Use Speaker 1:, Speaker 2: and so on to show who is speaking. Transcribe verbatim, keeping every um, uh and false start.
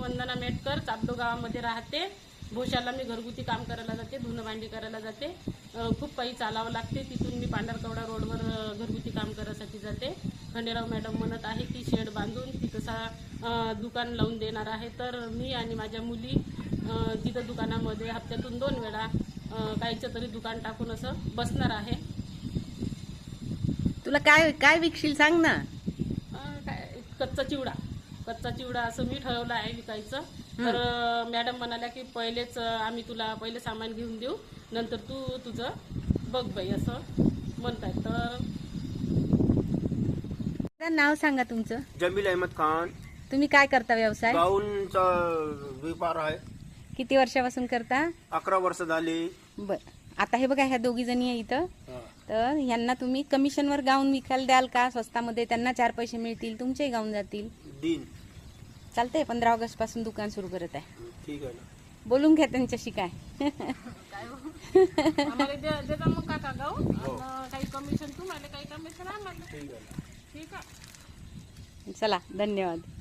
Speaker 1: वंदना मेटकर, चापडो गावामध्ये राहते. भोशाला मी घरगुती काम करायला जाते, धुणं भांडी करायला जाते. खूप काही चालावं लागते. तिथून मी पांढरकवडा रोडवर घरगुती काम करायसाठी जाते. खंडेराव मॅडम म्हणत आहे की शेड बांधून तिथं दुकान लावून देणार आहे. तर मी आणि माझ्या मुली तिथं दुकानामध्ये हप्त्यातून दोन वेळा काहीचं तरी दुकान टाकून असं बसणार आहे.
Speaker 2: तुला काय काय विकशील सांग ना.
Speaker 1: काय कच्चा चिवडा कच्चा चिवडा असं मी ठरवलं आहे विकायचं. तर मॅडम म्हणाल्या की पहिलेच आम्ही तुला पहिले सामान घेऊन देऊ, नंतर तू तुझं बघ बाई असं म्हणताय. तर
Speaker 2: नाव सांगा तुमचं.
Speaker 3: जमील अहमद खान.
Speaker 2: तुम्ही काय करता व्यवसाय?
Speaker 3: गाऊनचा व्यापार आहे.
Speaker 2: किती वर्षापासून करता?
Speaker 3: अकरा वर्ष झाली.
Speaker 2: बर, आता हे बघा ह्या दोघी जणी आहे इथं. तर ह्यांना तुम्ही कमिशनवर गाऊन विकायला द्याल का स्वस्तामध्ये? त्यांना चार पैसे मिळतील, तुमचेही गाऊन जातील.
Speaker 3: दिन
Speaker 2: चालतंय. पंधरा ऑगस्ट पासून दुकान सुरू करत आहे.
Speaker 3: ठीक आहे ना.
Speaker 2: बोलून घ्या त्यांच्याशी. काय
Speaker 1: आम्हाला देता मग काका गाऊन, काही कमिशन तुम्हाला, काही कमिशन आम्हाला.
Speaker 3: ठीक आहे.
Speaker 1: ठीक आहे.
Speaker 2: चला, धन्यवाद.